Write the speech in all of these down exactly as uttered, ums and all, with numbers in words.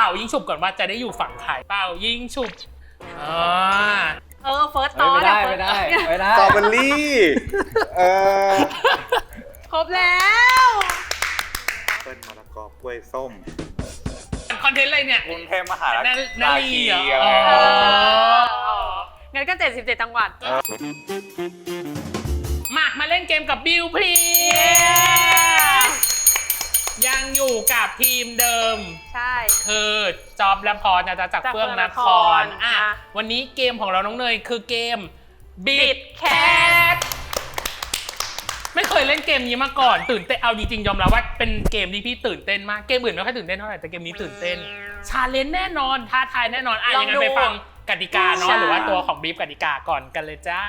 ป่ายิงฉุบก่อนว่าจะได้อยู่ฝั่งใครเป่ายิงฉุบอ่าเออเฟิร์สตอไม่นได้ไม่ได้ไม่ได้สตรอเบอรี่เออครบแล้วเปิ้ลมะละกอกล้วยส้มคอนเทนต์อะไรเนี่ยกรุงเทพมหานนาลีเหรออะไรอ๋องั้นก็เจ็ดสิบเจ็ดจังหวัดมามาเล่นเกมกับบิวพลียังอยู่กับทีมเดิมใช่คือจอบและพรนะจ๊ะจากเฟื่องนครอ่ะวันนี้เกมของเราน้องเนยคือเกมบิดแคทไม่เคยเล่นเกมนี้มาก่อนตื่นเต้นเอาจริงๆยอมรับว่าเป็นเกมที่พี่ตื่นเต้นมากเกมอื่นไม่ค่อยตื่นเต้นเท่าไหร่แต่เกมนี้ตื่นเต้นชาเลนจ์แน่นอนท้าทายแน่นอนอ่ะยังไงไปฟังกติกาเนาะหรือว่าตัวของบีฟกติกาก่อนกันเลยจ้า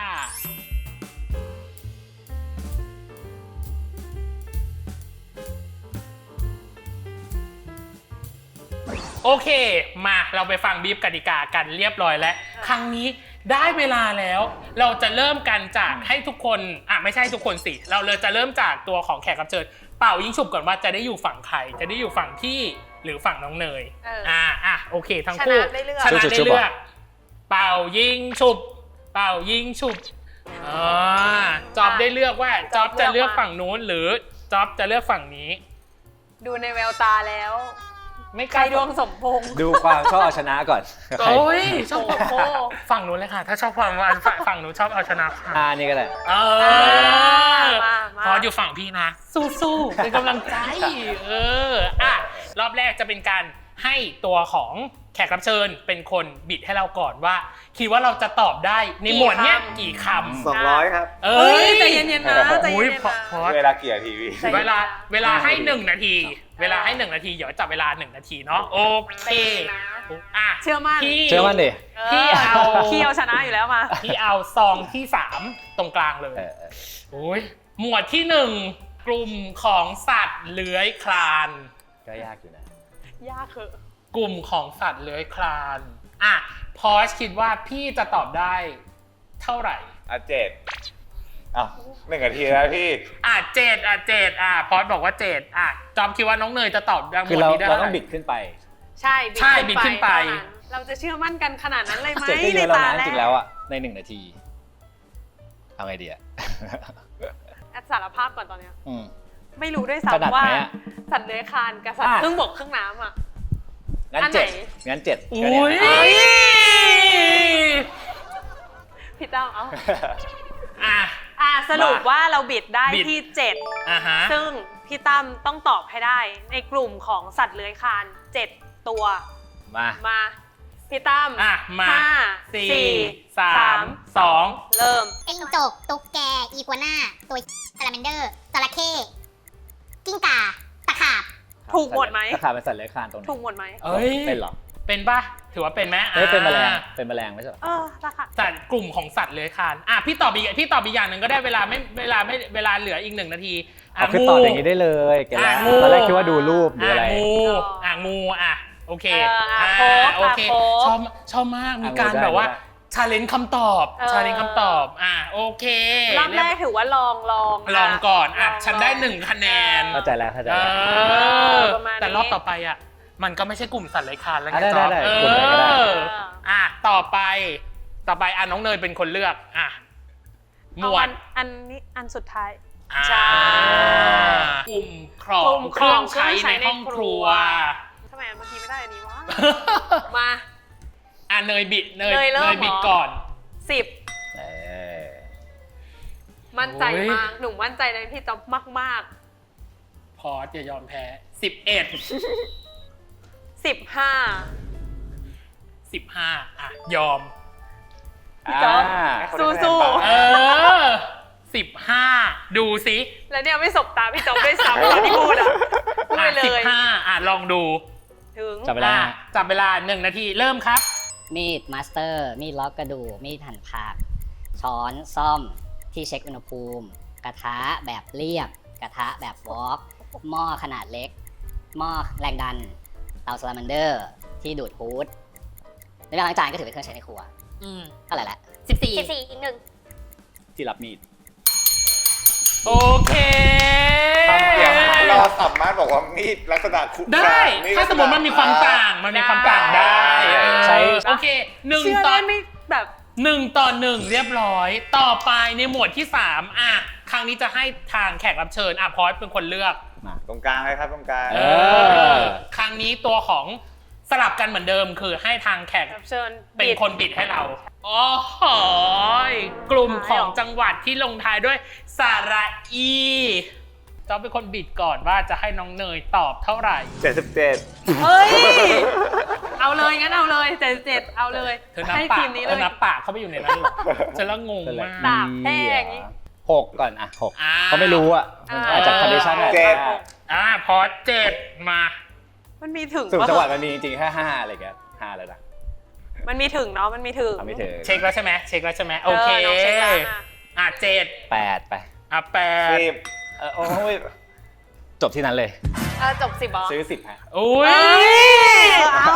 โอเคมาเราไปฟังบีฟกติกากันเรียบร้อยแล้วครั้งนี้ได้เวลาแล้วเราจะเริ่มกันจากให้ทุกคนอ่ะไม่ใช่ทุกคนสิเราเลยจะเริ่มจากตัวของแขกรับเชิญเป่ายิงฉุบก่อนว่าจะได้อยู่ฝั่งใครจะได้อยู่ฝั่งพี่หรือฝั่งน้องเนยอ่าอ่ะโอเคทั้งคู่ชนะได้เลือกเป่ายิงฉุบเป่ายิงฉุบอ่าจอบได้เลือกว่าจอบจะเลือกฝั่งนู้นหรือจอบจะเลือกฝั่งนี้ดูในแววตาแล้วไม่ไกลดวงสมพงษ์ดูความชอบเอาชนะก่อนโอ้ยชอบโอ้ฝั่งนู้นเลยค่ะถ้าชอบความว่าฝั่งนู้นชอบเอาชนะค่ะอ่านี่ก็ได้เออมามาพออยู่ฝั่งพี่นะ สู้ๆเป็นกำลังใจเอออ่ะรอบแรกจะเป็นการให้ตัวของแขกรับเชิญเป็นคนบิดให้เราก่อนว่าคิดว่าเราจะตอบได้ในหมวดเนี้ยกี่คำสองร้อยครับเอเฮ้้ยยใจเย็นๆนะใจโอ้ยเย็นพอๆพอนะเวลากี่นาทีพี่ใช่เวลาเวลาให้หนึ่งนาที เวลาให้หนึ่งนาทีเดี๋ยวจับเวลาหนึ่งนาทีเนาะโอเคอ่ะเชื่อมั่นพี่เชื่อมั่นดิพี่เอาพี่เอาชนะอยู่แล้วมาพี่เอาซองที่สามตรงกลางเลยเออเออโอ้ยหมวดที่หนึ่งกลุ่มของสัตว์เลื้อยคลานก็ยากอยู่นะยากเหอะกลุ่มของสัตว์เลื้อยคลานอ่ะพอชคิดว่าพี่จะตอบได้เท่าไหร่อ่ะเจ็ดอ้าวหนึ่งนาทีแล้วพี่อ่ะเจ็ดอ่ะเจ็ดอ่ะพอชบอกว่าเจ็ดอ่ะจอมคิดว่าน้องเนยจะตอบได้หมคือวดเรานี้ได้เราเท่าต้องไหบิร่ดขึ้นไปใช่ใช่บิดขึ้นไปเท่านั้นเราจะเชื่อมั่นกันขนาดนั้นเลยไหมเจ็ดก็เยในอะแล้วตานะแรจริงๆแล้วอ่ะในหนึ่งนาทีเอาไงดีอ่ะแอดสารภาพก่อนตอนเนี้ยอืมไม่รู้ด้วยถนัดซ้ำว่าไหมอะสัตว์เลื้อยคลานกับสัตว์อ่ะครึ่งบกครึ่งน้ำอ่ะงั้นอันไหนเจ็ดงั้นเจ็ดก็อุ้ยเนี่ยพี่ตั้มเอ้าอ่ะอ่ะสรุปว่าเราบิดได้บิดที่เจ็ดอ่ะฮะซึ่งพี่ตั้มต้องตอบให้ได้ในกลุ่มของสัตว์เลื้อยคลานเจ็ดตัวมามาพี่ตั้มอ่ะมาห้าสี่สี่สามสองเริ่มจิ้งจกตุ๊กแก อีกัวน่า ตัวซาลาแมนเดอร์จระเข้กิ้งก่า ตะขาบถูกหมดไหมตะขาบเป็นสัตว์เลื้อยคลานตรงไหนถูกหมดไหมเอ้ยเป็นเหรอเป็นปะถือว่าเป็นไหมเฮ้ยเป็นแมลงอ่ะเป็นแมลงไม่ใช่เหรอเออตะขาบสัตว์กลุ่มของสัตว์เลื้อยคลานอ่ะพี่ตอบอีกพี่ตอบอีกอย่างหนึ่งก็ได้เวลาไม่เวลาไม่เวลาเหลืออีกหนึ่งนาทีอ่ะเอาคือตอบอย่างนี้ได้เลยแกแล้วอ่ะงูตอนแรกคิดว่าดูรูปดูอะไรอ่ะงูอ่ะงูอ่ะโอเคเอออ่ะอ่ะโค้กโอเคอ่ะโค้กชอบชอบมากมีอ่ะการงูได้แบบว่างูได้ชาเลนจ์คำตอบเออชาเลนจ์คำตอบอ่ะโอเครอบแรกถือว่าลองลองลองก่อนอ่ะลงฉันได้หนึ่งคะแนนเข้าใจแล้วเข้าใจเอแล้วอประมาณนี้แต่รอบต่อไปอ่ะมันก็ไม่ใช่กลุ่มสัตว์เลื้อยคลานแล้วไงอ่ะได้จ๊อบได้เอได้กลุ่มไหนก็ได้ออ่ะต่อไปต่อไปอ่ะน้องเนยเป็นคนเลือกอ่ะหมเอาวอัดนอันนี้อันสุดท้ายอ่าใช่กลุ่มของกลุ่มเครื่องของใช้ในห้องครัวทำไมเมื่อกี้ไม่ได้อันนี้วะ มาอ่ะเนยบิดเนยเนยเริ่มเนยบิดเหรอก่อนสิบเออมั่นใจโอ้ยมากหนูมั่นใจในพี่จ๊อบมากพอสอย่ายอมแพ้สิบเอ็ดๆสิบห้าสิบห้าอ่ะยอมพี่จ๊อบอ่าสู้เออสิบห้าดูสิๆแล้วเนี่ยไม่สบตาพี่จ๊อบด้วยซ้ำตอนที่พูดอ่ะพูดอ่ะไปเลสิบยห้าอ่ะลองดูถึงจับเวลาอ่ะจับเวลาหนึ่งนาทีเริ่มครับมีดมาสเตอร์ มีดล็อกกระดูก มีดหั่นผัก ช้อนซ่อมที่เช็คอุณหภูมิ กระทะแบบเรียบ กระทะแบบวอล์กหม้อขนาดเล็ก หม้อแรงดัน เตาซาลาแมนเดอร์ ที่ดูดฮูดในเรื่องล้างจานก็ถือเป็นเครื่องใช้ในครัวอืมเท่าไหร่ละสิบสี่สิบสี่อีกหนึ่งที่รับมีดโอเคทำเสียงรอเราสามารถบอกว่ามีดลักษณะคุได้ ถ้าสมมติมันมีความต่างมันมีความต่างได้ใช้โอเคหนึ่งเชื่อต่อได้ไม่แบบหนึ่งต่อหนึ่งเรียบร้อย ต่อไปในหมวดที่สามอ่ะครั้งนี้จะให้ทางแขกรับเชิญอ่ะพอสเป็นคนเลือกมาตรงกลางเลยครับตรงกลางเออครั้งนี้ตัวของสลับกันเหมือนเดิมคือให้ทางแขกรับเชิญเป็นบิดคนบิดให้เราโอ้โหกลุ่มของจังหวัดที่ลงท้ายด้วยสระอีจอมเป็นคนบิดก่อนว่าจะให้น้องเนยตอบเท่าไหร่เจ็ดสิบเจ็ดเฮ้ย เอาเลยงั้นเอาเลยเจ็ดเจ็ดเอาเลยเธอนับให้ปาทีกมนี้เธเลอย นับปากเข้าไปอยู่ในนั้นเหรอฉันละงงมากดาบแห้งอย่างงี้หกก่อนอ่ะหกอ่าเขาไม่รู้อ่ะมันอาจจะคอนดิชันอาจจะเจ็ดอ่าพอเจ็ดมามันมีถึงสุ่มปะจังหวัดมันมีจริงๆแค่ห้าอะไรเงี้ยห้าเลยนะมันมีถึงเนาะมันมีถึงเอาไม่ถึงเช็คแล้วใช่ไหมเช็คแล้วใช่ไหมโอเคน้องเช็คแล้วอ่ะอ่ะเจ็ดแปดไปอ่ะแปดสิบเออโอ้ยจบที่นั้นเลยเออจบสิบเหรอซื้อสิบฮะอุ้ยเอ้ยเอา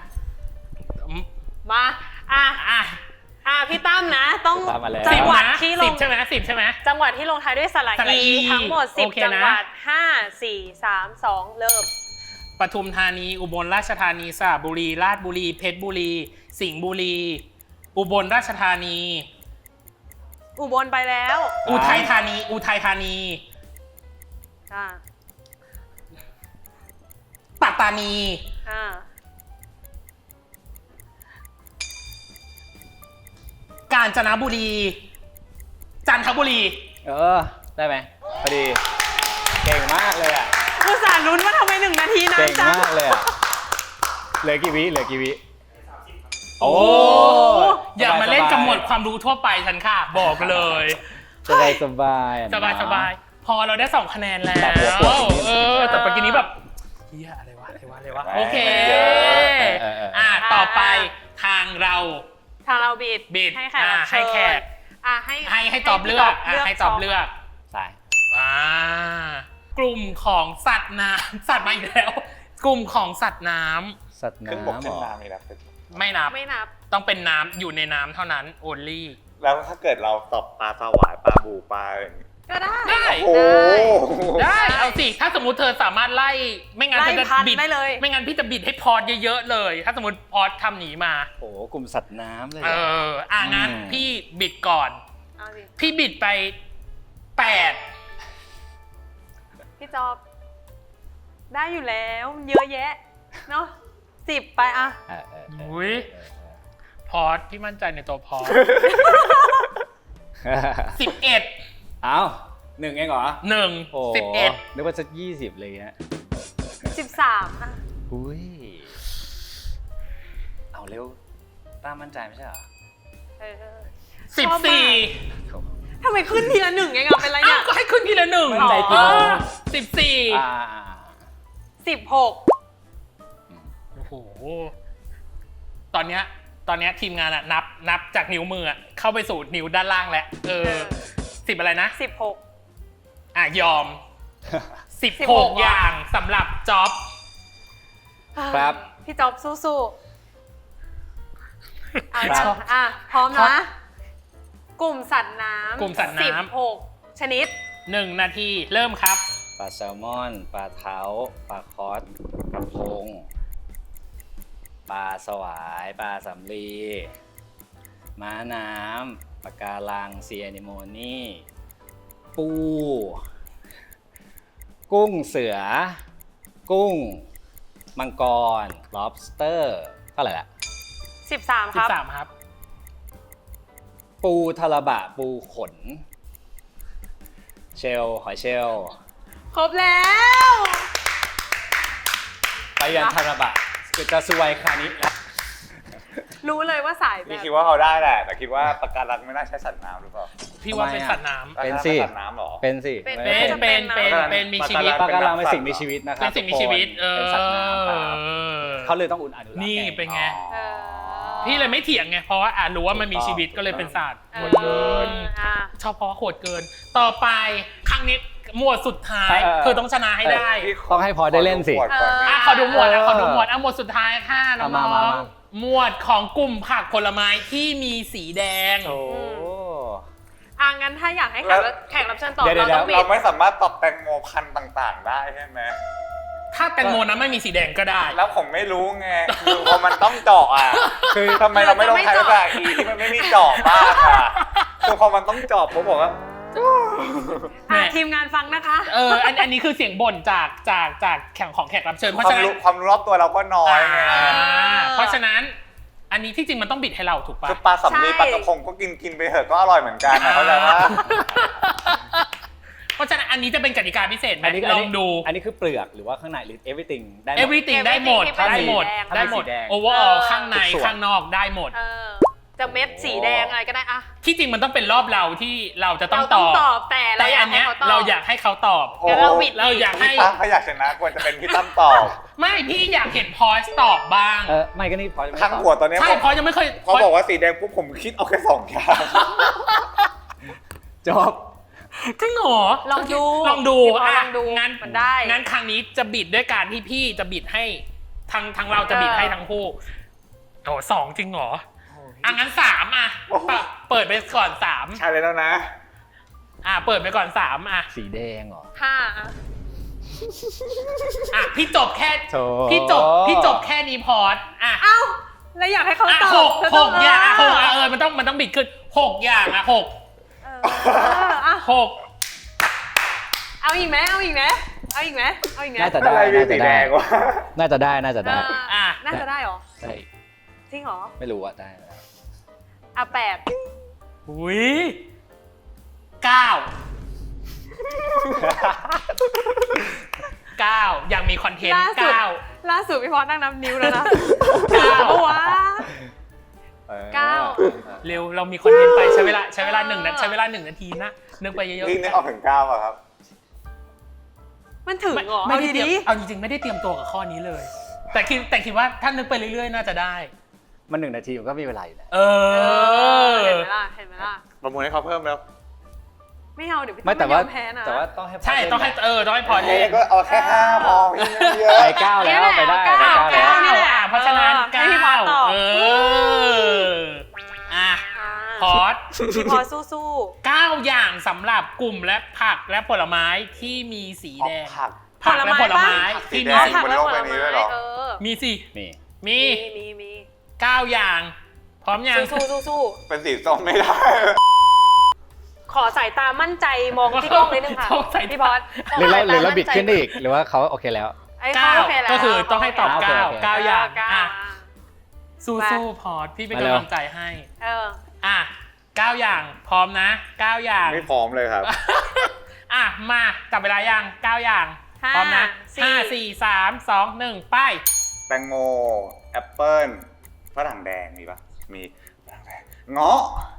มาอ่ะอ่ะอ่ะพี่ตั้มนะ ต้องตามมาแล้วจัสิงบหวัดนะที่ลสิบงใช่ไหมสิบใช่ไหมจังหวัดที่ลงท้ายด้วยสระสระอีอีทั้งหมดสิบโอเคนะจังหวัดห้า สี่ สาม สองเริ่มปทุมธานีอุบลราชธานีสระบุรีราชบุรีเพชรบุรี สิงห์บุรี อุบลราชธานีอุบลไปแล้วอุทัยธานี อุทัยธานีอ่าปัตตานีอ่ากาญจนบุรี จันทบุรีเออได้ไหมพอดี เก่งมากเลยอ่ะอุตส่าห์ลุ้นว่าทำไมหนึ่งนาทีนาเก่นงจังมากเลยอ่ะเหลือกี่วิเหลือกี่วิโอ้อย่ามาเล่นกับหมวดความรู้ทั่วไปฉันค่ะ บอกเลยสบายสบายสบายสบายพอเราได้สองคะแนนแล้วแต่หัวปวดนิดนึงเออ แต่ปกี้นี้แบบเฮียอะไรวะอะไรวะอะไรวะโอเคเออเออเอออ่ะต่อไปทางเราทางเราบิดบิดให้แขกอ่ารับเชิญให้แขกอ่ะให้ให้ให้ตอบเลือกอ่ะให้ตอบเลือกสายอ่ากลุ่มของสัตว์น้ำ สัตว์มาอีกแล้ว กลุ่มของสัตว์น้ำสัตว์ครึ่งบกน้ำครึ่งเหรอน้ำนี่นะไม่นับไม่นับต้องเป็นน้ำอยู่ในน้ำเท่านั้น only แล้วถ้าเกิดเราตอบปลาสวายปลาบูปลาอะไรอย่างงี้ก็ได้ได้โอ้โหได้ เอาสิ ถ้าสมมุติเธอสามารถไล่ ไม่งั้นไล่เธอจะพันบิดได้เลยไม่งั้นพี่จะบิดให้พอดเยอะๆเลย ถ้าสมมติพอดทำหนีมาโอ้โหกลุ่มสัตว์น้ำเลยเอเหรออ อ่ะงั้นอืมพี่บิดก่อนเอาสิพี่บิดไปแปดพี่จอบ ได้อยู่แล้ว เยอะแยะ เนาะสิบไปอ่ะเออเออเอออุ้ยพอดพี่มั่นใจในตัวพอดเออสิบเอ็ดเอ้าหนึ่งเองเหรอหนึ่งโอ้สิบเอ็ดนึกว่าจะยี่สิบเลยฮะสิบสามอ่ะอุ้ยเอาเร็วต้ามั่นใจไม่ใช่เหรอเออสิบสี่โถทำไมขึ้นทีละหนึ่งเองอ่ะเป็นไรอ้าเนี่วย ก็ให้ขึ้นทีละหนึ่งมั่นใจกี่โมงสิบสี่อ่าสิบหกโอ้โห ตอนเนี้ย ตอนเนี้ยทีมงานอะนับ นับจากนิ้วมืออะเข้าไปสู่นิ้วด้านล่างแล้ว เออ สิบอะไรนะสิบหกอ่ะ ยอม สิบสิบหหกกอย่างสำหรับจ็อบครับพี่จอบสู้ๆเอาครัละบอ่ะ พร้อมครันะบกลุ่มสัตว์น้ำกลุ่มสัตว์น้ำสิบหกชนิดหนึ่งนาที เริ่มครับปลาแซลมอน ปลาเท้า ปลาคอสกระพง ปลาสวาย ปลาสำลี ม้าน้ำ ปลาการังเซียนิโมนี่ ปู กุ้งเสือ กุ้ง มังกร lobster เท่าไหร่ละสิบสามคสิบรับสามครับปูทาราบะ ปูขน เชลล์หอยเชลล์ครบแล้วไปยันทาราบะจะสวยคานิแล้วรู้เลยว่าสายแบพี่บคิดว่าเขาได้แหละ แต่คิดว่าปลาการังไม่น่าใช้สัตว์น้ำหรือเปล่าพี่ว่าทำไมเป็นอะสัตว์น้ำเป็นปลาการังสิเป็นสัตว์น้ำเหรอเป็นสิเป็นเป็นจะเป็นนะเป็น เป็นมีชีวิตปลาการังเป็เป็น นสัสิ่ตว์งมีชีวิตนะครัเป็บนสิ่งมีทุกคนชีวิต เออเป็นสัตว์น้ำครับเขาเลยต้องอุ่นอนุรักษ์นี่ไงเป็นไงเออพี่เลยไม่เถียงไง เพราะว่าอ่ะรู้ว่ามันมีชีวิตก็เลยเป็นสัตว์เอโหอดเกินอ่ะชอบเพราะโหดเกิน ต่อไปครั้งนี้หมวดสุดท้ายเออเธอต้องชนะให้ได้พี่ต้องให้พอได้เล่นสิขอดูขวดก่อนอ่ะขอดูหมวดอ่ะขอดูหมวดอ่ะหมวดสุดท้ายค่ะน้เอามาอมาง มาๆหมวดของกลุ่มผักผลไม้ที่มีสีแดงโอ้อ่ะอ่ะงั้นถ้าอยากให้แขกรับแขกรับเชิญตอบเดี๋ยวเราเดี๋ยต้วองบิเราดไม่สามารถตอบแตงโมพันธุ์ต่างๆ ได้ใช่ไหมถ้าแตงโมนั้นไม่มีสีแดงก็ได้แล้วผมไม่รู้ไงคือพอมันต้องเจาะอ่ะคือทำไมเราไม่ต้องใช้ภาษาอีที่มันไม่มีเจาะบ้างอ่ะคือพอมันต้องเจาะผมบอกว่าอ่ะทีมงานฟังนะคะเอออันอันนี้คือเสียงบ่นจากจากจากแข่งของแขกรับเชิญเพคราะวามฉะนั้นรู้ความรู้รอบตัวเราก็น้อยไงอ่าเพราะฉะนั้น อันนี้ที่จริงมันต้องบิดให้เราถูกปะคือปลาสำลีใช่ปลากระพงก็กินกินไปเถอะก็อร่อยเหมือนกันนะเข้าใจปะเพราะฉะนั้นอันนี้จะเป็นกติกาพิเศษไหมอันนี้ลองดูอันนี้คือเปลือกหรือว่าข้างในหรือ everything ได้หมด everything ได้หมด Everything ได้หมดที่เป็นสีแดงได้หมดสีแดง overall เออข้างในทุกส่วนข้างนอกได้หมดเออจะเม็ดสีแดงอะไรก็ได้อะที่จริงมันต้องเป็นรอบเราที่เราจะต้องเราตต้องอบตอบแต่เราแต่อยาอักนให้เนี้ยเขาตอบเราอยากให้เขาตอบโอ้งั้นเราบิดเราอยากให้พี่ตั้มเขาอยากชนะควรจะเป็นพี่ตั้มตอบไม่พี่อยากเห็นพอสตอบบ้างเออไม่ก็นี่พอจะไม่ทั้งตอบหัวตอนนี้ใช่ผมพอยังไม่เคยพอบอกว่าสีแดงปุ๊บผมคิดเอาแค่สองอย่างจบจริงเหรอลองดูลองดูพี่พออ่ะลองดูงั้นมันได้งั้นครั้งนี้จะบิดด้วยการที่พี่จะบิดให้ทางทางเราจะบิดให้ทั้งคู่โอ้สองจริงเหรออ่ะงั้นสามอ่ะเปิดเปิดไปก่อนสามใช่เลยแล้วนะอ่ะเปิดไปก่อนสามอ่ะสีแดงเหรอห้าอะอ่ะพี่จบแค่โถพี่จบพี่จบแค่นี้พอดอ่ะเอ้าแล้วอยากให้เขาอ่ะตอบหกเธอหต้องกอย่างอ่ะหเอก ออ่ะเออมันต้องมันต้องบิดขึ้นหกอย่างอ่ะหกเอออ่ะหกเอาอีกไหมเอาอีกไหมเอาอีกไหมเอาอีกไหมน่าจะอะไรได้มีน่าสีจะแดได้งวะน่าจะได้น่าจะได้อ่ะน่าจะได้เหรอใช่จริงเหรอไม่รู้อะได้อ่ะแปดอุ้ยเก้าเก้ายังมีคอนเทนต์ล่าสุดเก้าล่าสุดพี่พอนั่งนับนิ้วแล้วนะเก้าเพราะว่า เก้าเร็วเรามีคอนเทนต์ไปใช้เวลาใช้เวลาหนึ่งนาทีใช้เวลาหนึ่งนาทีนะนึกไปเยอะพี่นึกออกถึงเก้าอะครับมันถึงเหรอไม่เอาได้เตรียมดีเอาจริงๆไม่ได้เตรียมตัวกับข้อนี้เลย แต่คิดแต่คิดว่าถ้านึกไปเรื่อยๆน่าจะได้มันหนึ่งนาทีมันก็มีเวลาอยู่แล้วเอๆเอออเห็นไหมล่ะเห็นไหมล่ะประมูลให้เขาเพิ่มแล้วไม่เอาเดี๋ยวพี่ไม่ต้แต่องว่ายอมแพ้นะแต่ว่าต้องให้พอใช่เล่นต้องให้เออต้องให้พอเอ้เล่นก็เอาแค่ห้าพอพี่ไม่เยอะไปเก้าแล้วไปได้ไปเก้าเก้าแล้วเก้านี่แหละอ่ะเพราะฉะนั้นเออให้เก้าพี่พอตอบเอออ่ะอ่าพอดพี่พอสู้เก้าอย่างสำหรับกลุ่มและผักและผลไม้ที่มีสีแดงผักผักและผลไม้ผักสีที่แดมีงสีผักบนและโลกผใบลนี้ด้ไม้วยเหรอเออมีสินี่มีมีมีมีเก้าอย่าง พร้อมยังสู้สู้สู้เป็นสีส้มไม่ได้ขอสายตามั่นใจมองที่กล้องนิดนึงค่ะขอสายตาพี่พอดหรือเราหรือเราบิดขึ้นได้อีกหรือว่าเขาโอเคแล้วไอ้เก้าเขาโอเคแล้วก็คือต้องให้ตอบโอเคเก้าโอเคเก้าอย่างเก้าอ่ะอ่ะสู้มาสู้พอดพี่เป็นมาเร็วกำลังใจให้เอออ่ะเก้าอย่างพร้อมนะเก้าอย่างไม่พร้อมเลยครับอ่ะมาจับเวลายังเก้าอย่างห้าพร้อมนะสี่ห้าสี่สามสองหนึ่งไปแตงโมแอปเปิ้ลฝรั่งแดงมีปะมีฝรั่งแดงเงาะ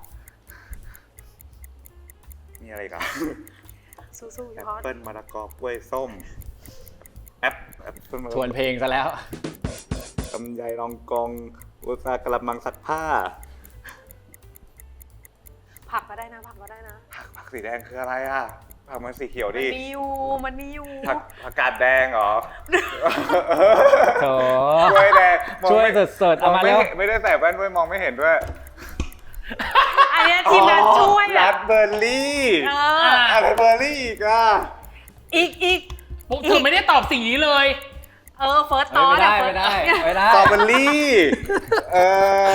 มีอะไรกันสู้สู้แอพี่ปพอดเปิ้ลมะละกอกล้วยส้มแอปแอปเปิ้ลมะละทกอวนเพลงซะแล้วลำไยรองกองอุตสาหกระมังซักผ้าผักก็ได้นะผักก็ได้นะผักผักสีแดงคืออะไรอ่ะผักมันสีเขียวมันดิมีอยู่มันมีอยู่ผักผักกาดแดงเหรอโถกล้วยแดงมองช่วยไม่สุดๆเอามาไม่แล้วเห็นไม่ได้ใส่แว่นด้วยมองไม่เห็นด้วยอันเนี้ยทีมงานช่วยรัอ่ะดเบอร์รี่เออ่ะออะไรเบอร์รี่อีกอ่ะอีกอีกปุ๊บเธอไม่ได้ตอบสิ่งนี้เลยเออเฟิร์สตเอ้อย นไม่ได้ไม่ได้ไม่ได้สตรอเบอร์รี่เออ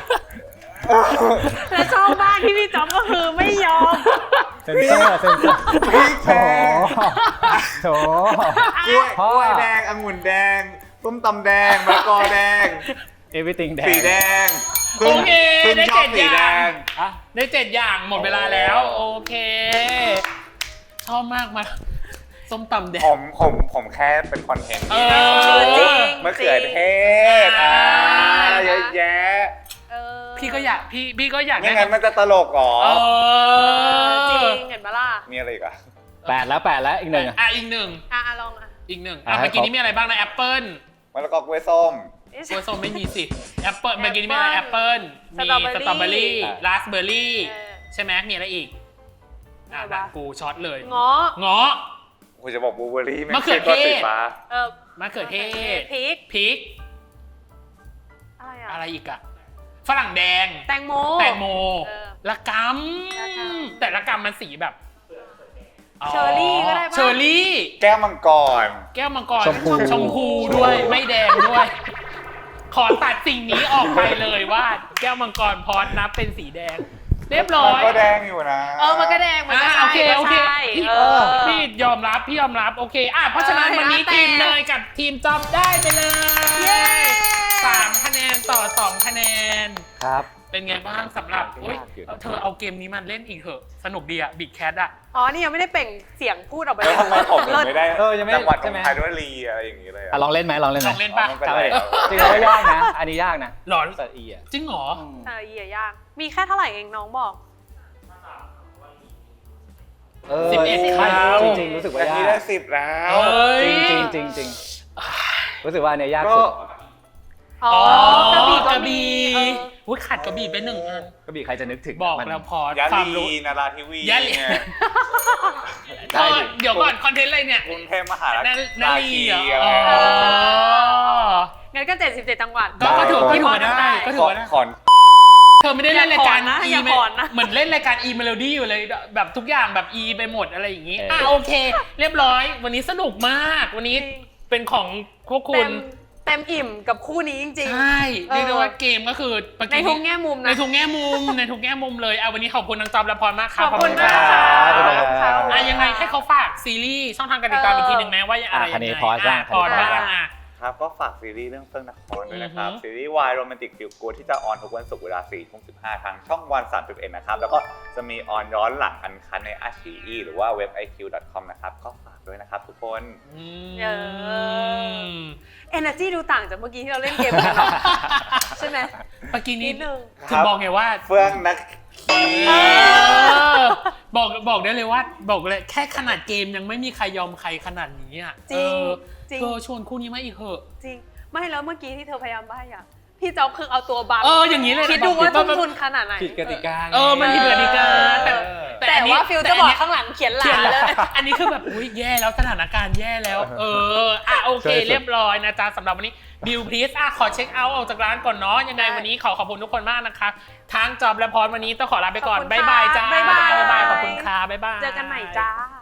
แล้วชอบมากที่พี่จ๊อบก็คือไม่ยอมเซนเซอร์เซนเซอร์พริกโถแดงโถกล้วยพ่อกล้วยแดงองุ่นแดงส้มตำแดงมะละกอแดง everything แดงสีแดงโอเคพึ่งได้ชอบเจ็ดสีอแดย่างงอ่ะได้เจ็ดอย่างหมดเวลาแล้ว โอเค ชอบมากมาส้มตำแดผงมผมผมแค่เป็นคอนเทนต์เอที่อจริงมะเขือเทศอ่าเยอะแยะเออพี่ก็อยากพี่พี่ก็อยากไม่ได้งั้นมันจะตลกเหรอเอจริองเห็นปะล่ะมีอะไรอีกอ่ะแปดแล้วแปดแล้วอีกหนึ่งอะอ่ะอีกหนึ่งอ่ะอ่ะลองอ่ะอีกหนึ่งอ่ะอ่ะให้เมื่อกี้ครบนี้มีอะไรบ้างนะแอปเปิ้ลมะละกอกล้วยส้มกล้วยส้มไม่มีสิแอปเปิ้ลเมื่อกี้นี้มีอะไรแอปเปิ้ลมีสตรอเบอรี่สตรอเบอรี่ราสเบอร์รี่เออใช่ไหมมีอะไรอีกอ่ะอะไรวะกูช็อตเลยเงาะเงาะคุณจะบอกบลูเบอร์รี่มะเขือเทศสีฟ้าเออมะเขือเทศพริกพริกอะไรอ่ะอะไรอีกอะฝรั่งแดงแตงโมแตงโมเออละกำแต่ละกำมันสีแบบเชอร์รี่ก็ได้ปะเชอร์รี่แก้วมังกรแก้วมังกรชมพูชมพูด้วยไม่แดงด้วย ขอตัดสิ่งนี้ออกไปเลยว่า แก้วมังกรพอดนับเป็นสีแดง เรียบร้อมันยก็แดงอยู่นะเออมันก็แดงมันก็อ่าใช่โอเคโอเคก็ใช่พี่เออพี่ยอมรับพี่ยอมรับโอเคอ่ะเพราะฉะนั้นเออวันนี้แต่ทีมเนยกับทีมจอบได้ไปเลยเย้สามคะแนนต่อสองคะแนนครับเป็นไงบ้างสำหรับอุ๊ยยากอยู่เธอเอาเกมนี้มันเล่นอีกเถอะสนุกดีอะบิ๊กแคทอะอ๋อนี่ยังไม่ได้เปล่งเสียงพูดออกไปแล้วทำไมผมถึงไม่ได้เออยังไม่จังหวัดใช่ของไหมไทยด้วยรีอะไรอย่างนี้เลยอ่ะลองเล่นไหมลองเล่นไหลมองเล่นป่ะไม่เป็นไรครับจริงๆแล้วยากนะ อันนี้ยากนะหรอสัตว์อีอ่ะจริงเหรอเออเหี้ยยากมีแค่เท่าไหร่เองน้องบอกเออสิบเอ็ดใช่ครั้งจริงๆรู้สึกว่าแต่ยานี่กได้สิบแล้วเอ้ยจริงจริงจริงๆรู้สึกว่าอันเนี้ยยากก็สุดอ๋ออกระบี่กก็ระมีบี่เอออุ้ยขาดกระบี่ไปหนึ่งอันก็บีใครจะนึกถึงบอกมันแล้วพอยะความลีรู้นาราธิวียะลีไงได้ดิเดี๋ยวก่อนคอนเทนต์อะไรเนี่ยกรุงเทพมหานนาคนาราลีชีเหรออะไรอ๋องั้นก็เจ็ดสิบเจ็ดจังหวัดก็ก็ถือก็ถือว่าได้ก็ถืขออว่าได้ขอนเธอไม่ได้เล่นรายการอย่าขอนะอีอย่าเมขอนะเหมือนเล่นรายการอีเมโลดี้อยู่เลยแบบทุกอย่างแบบอีไปหมดอะไรอย่างงี้เอออ่อ่ะโอเค เรียบร้อย วันนี้สนุกมาก วันนี้เป็นของพวกคุเต็ณมเต็มอิ่มกับคู่นี้จริงใช่เรียกได้ว่าเกมก็คือเมื่อๆ ในทุกแง่มุมในนะทุกแง่มุมในทุกแง่มุมเลยอ่ะวันนี้ขอบคุณน้องจอมและพรมากครับขอบคุณมากรัค่ะขอบคุณขอบคุณค่ะอ่ะยังไงให้เขาฝากซีรีส์ช่องทางการติดตามอีกทีหนึ่งไหมว่าอะไรอ่ะคันนี้ยังไงพอสบ้างพอสคันนี้พอสบ้างอ่ะครับก็ฝากซีรีส์เรื่องเฟื่องนครด้วยนะครับอือฮึซีรีส์วายโรแมนติกฟิลกูดที่จะออนทุกวันศุกร์เวลาสี่ทุ่มสิบห้าทางช่องวันสามสิบเอ็ดนะครับ แล้วก็จะมีออนย้อนหลังอันคันใน อาร์ ซี อี หรือว่าเว็บ ไอ คิว ดอท คอม นะครับ ก็ฝากด้วยนะครับทุกคนอืเอมเอเนอร์จีดูต่างจากเมื่อกี้ที่เราเล่นเกมกันเนอะใช่ไหมเมื่อกี้นินี้ดนึงถึงบอกไงว่าเฟื่องนักขีเออบอกบอกได้เลยว่าบอกเลยแค่ขนาดเกมยังไม่มีใครยอมใครขนาดนี้อ่ะจริงเออจริงเธอชวนคู่นี้มาอีกเหอะจริง ไม่แล้วเมื่อกี้ที่เธอพยายามใบ้อะพี่จ๊อบคือเอาตัวบังเอออย่างนี้เลยนะคิดดูว่าแบบทุ่มทุนขนาดไหนผิดกติกาไงเออมันผิดกติกาแต่แต่อันนี้ว่าฟิลแต่จะอันบอกเนี้ยข้างหลังเขียนหลาเขียนนแล้เลวย อันนี้คือแบบอุ้ยแย่แล้วสถานการณ์แย่แล้ว เอออ่ะโอเคใช่สุดเรียบร้อยนะจ๊ะสำหรับวันนี้บิวพลีสอ่ะขอเช็คเอาท์ออกจากร้านก่อนเนาะยังไงวันนี้ขอขอบคุณทุกคนมากนะคะทั้งจอบและพรวันนี้ต้องขอลาไปก่อนขอบคุณบ๊ายบายจ้าค่ะบ๊ายบายบ๊ายบายขอบคุณค่ะบ๊ายบายเจอกันใหม่จ้า